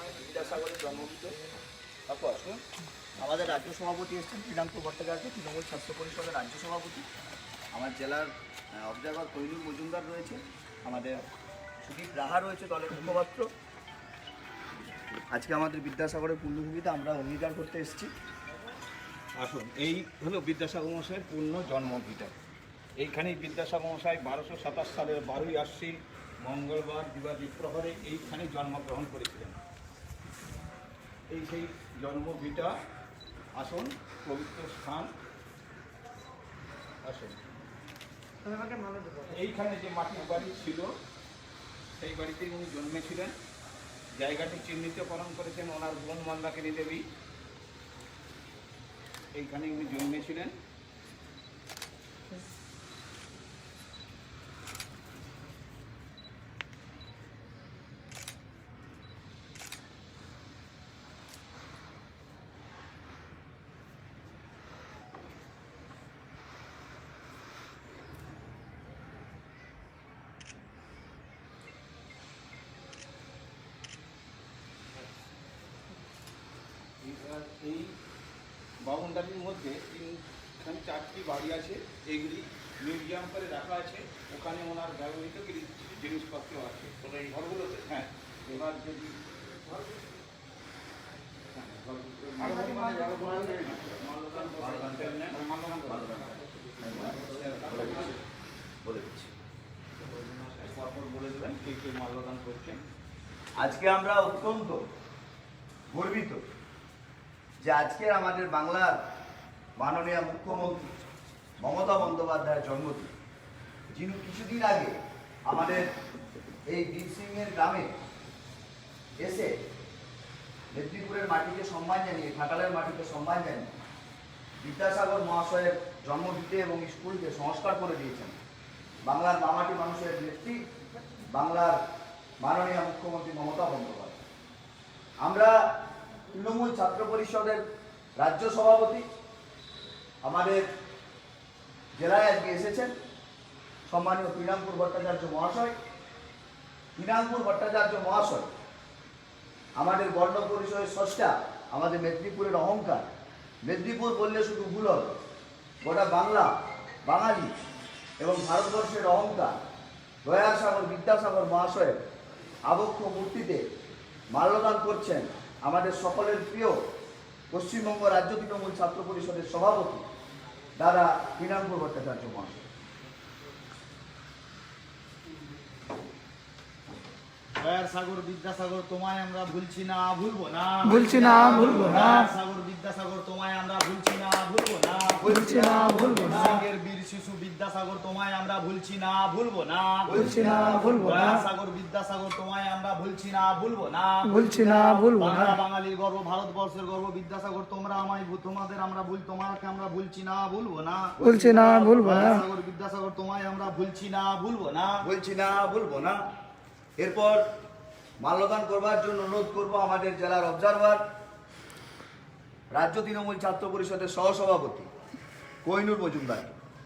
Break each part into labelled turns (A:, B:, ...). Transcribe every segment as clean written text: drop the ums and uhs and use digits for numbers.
A: বিদ্যাসাগরের জন্মভূমি। তারপর আমাদের রাজ্য সভাপতি এসেছেন শ্রীরামপুর ভট্টাচার্য, তৃণমূল ছাত্র পরিষদের রাজ্য সভাপতি। আমার জেলার অবজারভার কৈনুর মজুমদার রয়েছে, আমাদের সুদীপ রাহা রয়েছে দলের মুখপাত্র। আজকে আমাদের বিদ্যাসাগরের পূর্ণভূমিতে আমরা অঙ্গীকার করতে এসেছি।
B: আসুন, এই হলো বিদ্যাসাগর মশাইয়ের পূর্ণ জন্মভিটা। এইখানেই বিদ্যাসাগর মশাই 1227 সালের 12ই আশ্বিন মঙ্গলবার দিবাদীপ প্রহরে এইখানে জন্মগ্রহণ করেছিলেন। এই সেই জন্মভিটা। আসুন, পবিত্র স্থান। আসুন, এইখানে যে মাটির বাড়ি ছিল সেই বাড়িতেই উনি জন্মেছিলেন। জায়গাটি চিহ্নিতকরণ করেছেন ওনার বোন মন্দাকিনী দেবী। এইখানে উনি জন্মেছিলেন। এই বাউন্ডারির মধ্যে এখানে 4টি বাড়ি আছে, এইগুলি মিউজিয়াম করে রাখা আছে। ওখানে ওনার ব্যবহৃত জিনিসপত্র আছে এই ঘরগুলোতে। হ্যাঁ, এবার যদি
A: বলে দিচ্ছি,
B: বলে দেবেন কে কে মাল্যদান করছেন।
A: আজকে আমরা অত্যন্ত গর্বিত যে আজকে আমাদের বাংলার মাননীয় মুখ্যমন্ত্রী মমতা বন্দ্যোপাধ্যায়ের জন্মদিন, যিনি কিছুদিন আগে আমাদের এই বীরসিংহের গ্রামে এসে মেদিনীপুরের মাটিকে সম্মান জানিয়ে, ঘাটালের মাটিকে সম্মান জানিয়ে বিদ্যাসাগর মহাশয়ের জন্মভিটে এবং স্কুলকে সংস্কার করে দিয়েছেন বাংলার মামাটি মানুষের নেত্রী, বাংলার মাননীয় মুখ্যমন্ত্রী মমতা বন্দ্যোপাধ্যায়। আমরা তৃণমূল ছাত্র পরিষদের রাজ্য সভাপতি আমাদের জেলায় আজকে এসেছেন সম্মানীয় শ্রীরামপুর ভট্টাচার্য মহাশয়। শ্রীরামপুর ভট্টাচার্য মহাশয় আমাদের বর্ণ পরিচয়ের স্রষ্টা, আমাদের মেদিনীপুরের অহংকার। মেদিনীপুর বললে শুধু ভুল হবে, গোটা বাংলা, বাঙালি এবং ভারতবর্ষের অহংকার দয়াসাগর বিদ্যাসাগর মহাশয়ের আবক্ষ মূর্তিতে মাল্যদান করছেন আমাদের সকলের প্রিয় পশ্চিমবঙ্গ রাজ্য তৃণমূল ছাত্র পরিষদের সভাপতি দাদা শ্রীরামপুর ভট্টাচার্য মহাশয়।
C: দয়াসাগর বিদ্যাসাগর তোমায় আমরা ভুলছি না, ভুলবো না,
D: ভুলছি না, ভুলবো না।
C: দয়াসাগর বিদ্যাসাগর তোমায় আমরা ভুলছি না, ভুলবো না,
D: ভুলছি না, ভুলবো না।
C: সিংহের বীর শিশু বিদ্যাসাগর তোমায় আমরা ভুলছি না, ভুলবো না,
D: ভুলছি না, ভুলবো না।
C: দয়াসাগর বিদ্যাসাগর তোমায় আমরা ভুলছি না, ভুলবো না,
D: ভুলছি না, ভুলবো না।
C: বাংলা বাঙালির গর্ব, ভারতবর্ষের গর্ব বিদ্যাসাগর, তোমরা আমায় তোমাদের আমরা তোমাকে আমরা ভুলছি না, ভুলবো না,
D: ভুলছি না, ভুলবো না।
C: দয়াসাগর বিদ্যাসাগর তোমায় আমরা ভুলছি না, ভুলবো না,
A: বলছি না, বলবো না। এরপর মাল্যদান করবার জন্য অনুরোধ করব আমাদের জেলার অবজারভার, রাজ্য তৃণমূল ছাত্র পরিষদের সহসভাপতি কৈনুর মজুমদার।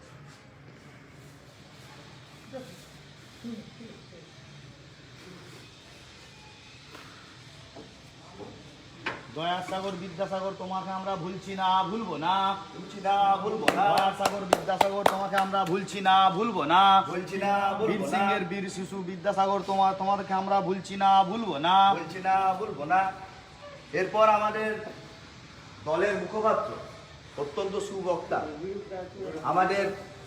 C: দয়াসাগর বিদ্যাসাগর তোমাকে আমরা ভুলছি না, ভুলবো না,
A: বলছি না, বলবো না,
C: দয়াসাগর বিদ্যাসাগর তোমাকে আমরা ভুলছি না, ভুলবো না,
A: বলছি না, বলবো
C: বীর
A: না,
C: সিংহের বীর শিশু বিদ্যাসাগর তোমাদেরকে আমরা ভুলছি না, ভুলবো না,
A: বলছি না, বলবো না। এরপর আমাদের দলের মুখপাত্র, অত্যন্ত সুবক্তা, আমাদের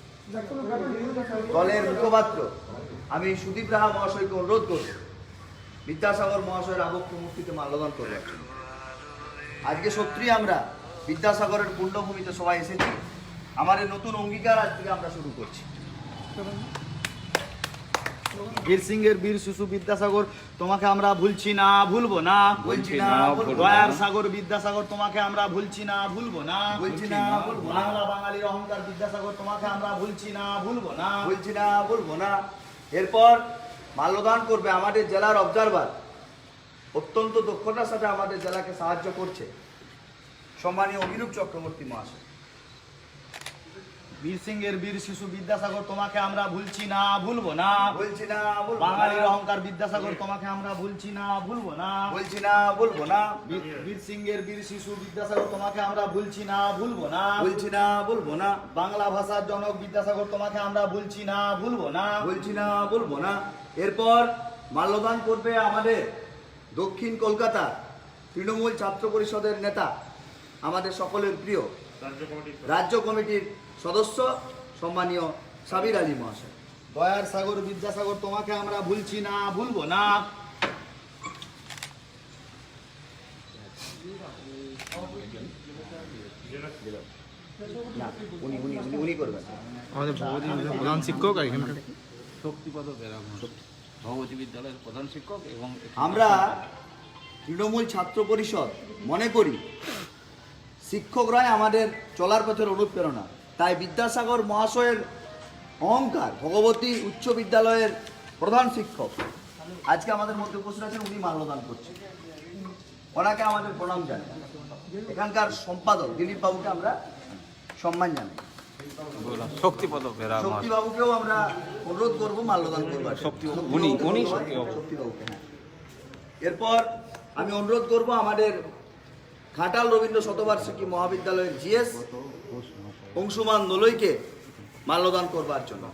A: দলের মুখপাত্র আমি সুদীপ রাহা মহাশয়কে অনুরোধ করব বিদ্যাসাগর মহাশয়ের আবক্ষ মূর্তিতে মাল্যদান করবার জন্য। আজকে সত্যি আমরা বিদ্যাসাগরের পূর্ণভূমিতে সবাই এসেছি। আমাদের নতুন অঙ্গীকার আজ থেকে আমরা শুরু করছি।
C: বীর সিংহের বীর শিশু বিদ্যাসাগর তোমাকে আমরা ভুলছি না, ভুলবো না,
A: বলছি না, বলবো না,
C: দয়ার সাগর বিদ্যাসাগর তোমাকে আমরা ভুলছি না, ভুলবো না,
A: বলছি না, বলবো না,
C: বাংলা বাঙালির অহংকার বিদ্যাসাগর তোমাকে আমরা ভুলছি না, ভুলবো না,
A: বলছি না, বলবো না। এরপর মাল্যদান করবে আমাদের জেলার অবজারভার, অত্যন্ত দক্ষতার সাথে আমাদের জেলাকে সাহায্য করছে সম্মানীয় অভিরূপ চক্রবর্তী মহাশয়।
C: বীর সিংহের বীর শিশু বিদ্যাসাগর তোমাকে আমরা ভুলছি না ভুলবো না।
A: বলছি না বলবো না।
C: বাঙালির অহংকার বিদ্যাসাগর তোমাকে আমরা ভুলছি না ভুলবো না।
A: বলছি না বলবো না।
C: বীর সিংহের বীর শিশু বিদ্যাসাগর তোমাকে আমরা ভুলছি না ভুলবো না।
A: বলছি না বলবো না।
C: বাংলা ভাষার জনক বিদ্যাসাগর তোমাকে আমরা ভুলছি না ভুলবো না।
A: বলছি না বলবো না। এরপর মাল্যদান করবে আমাদের দক্ষিণ কলকাতা তৃণমূল ছাত্র পরিষদের নেতা, আমাদের সকলের প্রিয় রাজ্য কমিটির সদস্য সম্মানীয় সাবির আলী মহাশয়।
C: দয়ার সাগর বিদ্যাসাগর তোমাকে আমরা ভুলছি না ভুলবো না।
A: না, উনি করবেন।
E: আমাদের প্রধান শিক্ষক আর এখানকার
B: শক্তিপদ বেরাম ভগবতী বিদ্যালয়ের প্রধান শিক্ষক এবং
A: আমরা তৃণমূল ছাত্র পরিষদ মনে করি শিক্ষকরাই আমাদের চলার পথের অনুপ্রেরণা। তাই বিদ্যাসাগর মহাশয়ের অহংকার ভগবতী উচ্চ বিদ্যালয়ের প্রধান শিক্ষক আজকে আমাদের মধ্যে উপস্থিত আছেন, উনি মাল্যদান করছেন। ওনাকে আমাদের প্রণাম জানাই। এখানকার সম্পাদক দিলীপ বাবুকে আমরা সম্মান জানাই।
B: শক্তিপদ বেরাম
A: শক্তিবাবুকেও আমরা অনুরোধ করবো মাল্যদান করবার। শক্তিবাবুকে, হ্যাঁ। এরপর আমি অনুরোধ করব আমাদের ঘাটাল রবীন্দ্র শতবার্ষিকী মহাবিদ্যালয়ের জিএস অংশুমান দোলইকে মাল্যদান করবার জন্য।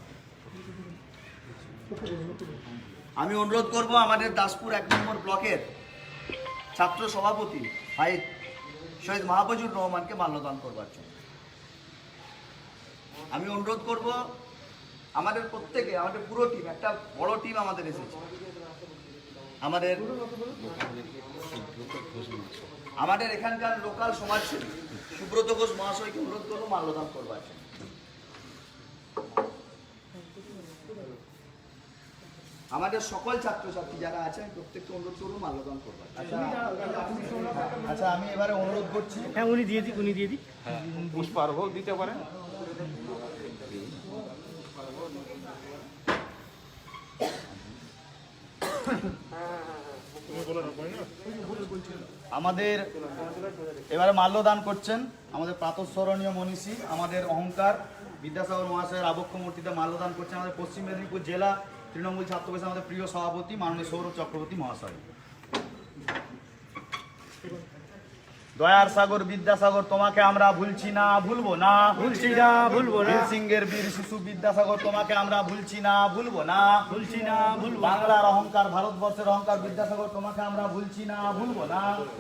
A: আমি অনুরোধ করব আমাদের দাসপুর 1 নম্বর ব্লকের ছাত্র সভাপতি ভাই শহীদ মাহফুজুর রহমানকে মাল্যদান করবার জন্য। আমি অনুরোধ করব আমাদের প্রত্যেকে, আমাদের পুরো টিম, একটা বড় টিম আমাদের এসেছে, আমাদের এখানকার লোকাল সমাজসেবী সুব্রত ঘোষ মহাশয়কে অনুরোধ করবো মাল্যদান করবার জন্য। আমাদের সকল ছাত্রছাত্রী যারা আছেন প্রত্যেককে অনুরোধ করবো মাল্যদান করবার।
C: আচ্ছা, আমি এবারে অনুরোধ করছি,
E: হ্যাঁ উনি দিয়ে দিই
B: পুষ্পার্ঘ দিতে পারেন।
C: আমাদের এবারে মাল্যদান করছেন আমাদের প্রাতঃস্মরণীয় মনীষী, আমাদের অহংকার বিদ্যাসাগর মহাশয়ের আবক্ষ মূর্তিতে মাল্যদান করছেন আমাদের পশ্চিম মেদিনীপুর জেলা তৃণমূল ছাত্র পরিষদ আমাদের প্রিয় সভাপতি মাননীয় সৌরভ চক্রবর্তী মহাশয়। দয়ার সাগর বিদ্যাসাগর তোমাকে আমরা ভুলছি না ভুলবো না।
E: ভুলছি না ভুলবো না।
C: বীর সিংহের বীর শিশু বিদ্যাসাগর তোমাকে আমরা ভুলছি না ভুলবো না।
E: ভুলছি না ভুলবো না।
C: বাংলার অহংকার ভারতবর্ষের অহংকার বিদ্যাসাগর তোমাকে আমরা ভুলছি না ভুলবো না।